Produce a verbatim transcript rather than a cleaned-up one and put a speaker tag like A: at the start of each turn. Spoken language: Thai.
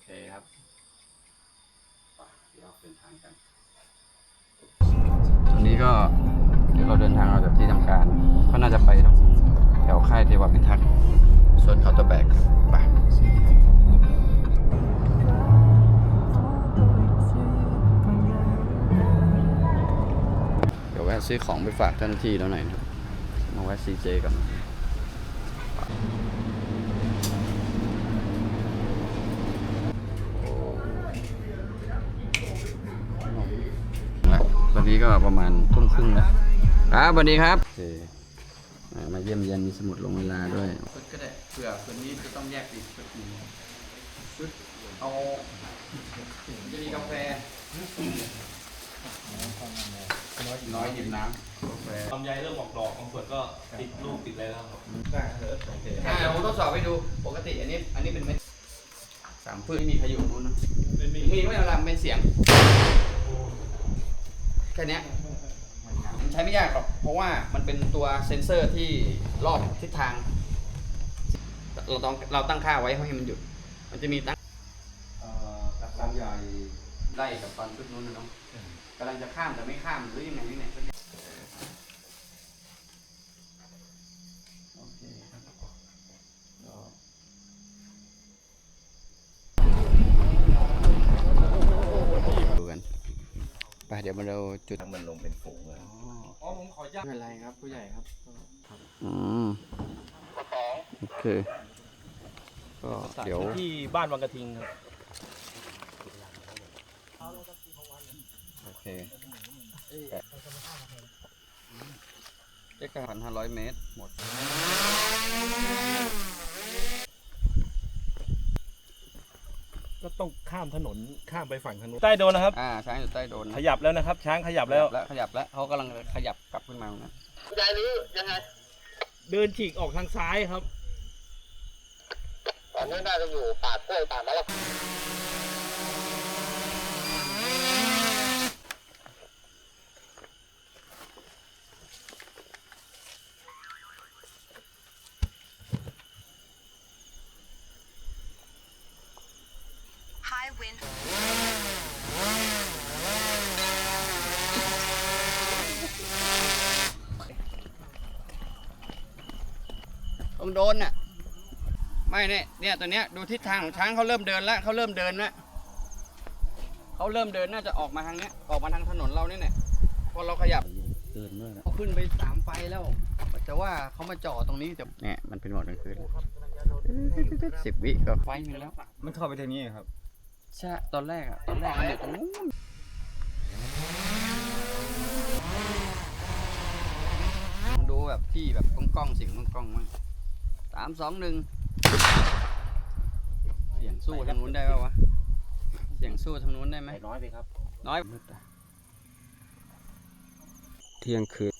A: เคครับเดี๋ยวเดินทางกันตอนนี้ก็เดี๋ยวเราเดินทางออกจากที่ทำการก็น่าจะไปตรงแถวค่ายเทวพิทักษ์ส่วนเขาตะแบกไปเดี๋ยวแวะซื้อของไปฝากเจ้าหน้าที่แล้วหน่อยนะมาแวะซีเจกันตอนนี้ก็ประมาณทุ่มครึ่งแล้วครับสวัสดีครับโอเคมาเยี่ยมเยียนมีสมุดลงเวลาด้วยชุดก็ได้เผื่อคนนี้จะต้องแยกอีกชุดนึงชุดเอาจะมีกาแฟน้อยหยิบน้ำกาแฟ
B: ลำไยเริ่มออกดอกบางส่วนก็ติดลูกติดอะไรแล้วครับได้ครับโอเค
A: อ่าผมทดสอบให้ดูปกติอันนี้อันนี้เป็นเม็ดสามพืชไม่มีพายุนู้นนะมีไม่เอาละเป็นเสียงแค่นี้มันใช้ไม่ยากหรอกเพราะว่ามันเป็นตัวเซ็นเซอร์ที่รอบทิศทางเราต้องเราตั้งค่าไว้ให้มันหยุดมันจะมีตั้งลำใหญ่ไล่กับตอนชุดนู้นนะน้องกำลังจะข้ามแต่ไม่ข้ามหรือยังไงนี่เนี่ยโอเคครับดูกันไปเดี๋ยวมาเราจุดมันลงเป็นฝูงเลยอ๋อผมขอย้ำไม่เป็นไรครับผู้ใหญ่ครับอืมโอเคก็เดี๋ยว
B: ที่บ้านวังกระทิงครับ
A: โอเคเจ็ดพันห้าร้อยเมตรหมด
B: ก็ต้องข้ามถนนข้ามไปฝั่งถนนใต้โดนนะครับ
A: อ่าช้างอยู่ใต้โดน
B: ขยับแล้วนะครับช้างขยับแล้ว
A: ขยับแล้วเขากำลังขยับกลับขึ้นมานะ
C: ยายรู้ยังไง
B: เดินฉีกออกทางซ้ายครับ
C: ตอนนี้น่าจะอยู่ป่ากล้วยป่ามะละ
A: ตรงโดนน่ะไม่เนี่ยเนี่ยตอนเนี้ยดูทิศทางของช้างเขาเริ่มเดินแล้วเขาเริ่มเดินแล้วเขาเริ่มเดินน่าจะออกมาทางเนี้ยออกมาทางถนนเราเนี่ยพอเราขยับเดินด้วยเขาขึ้นไปสามไฟแล้วแต่ว่าเขามาจ่อตรงนี้จะเนี่ยมันเป็นหมดกลางคืนสิบวิก็ไฟนึงแล้ว
D: มันเข้าไปทางนี้ครับ
A: ใช่ตอนแรกอ่ะตอนแรกมันอยู่ตรงนู้นดูแบบที่แบบกล้องๆเสียงกล้องๆมั้งสามสองหนึ่งเสียงสู้ทางนู้นได้ป่าววะเสียงสู้ทางนู้นได้ไหม
B: น้อยไปครับ
A: น้อย
D: เที่ยงคืน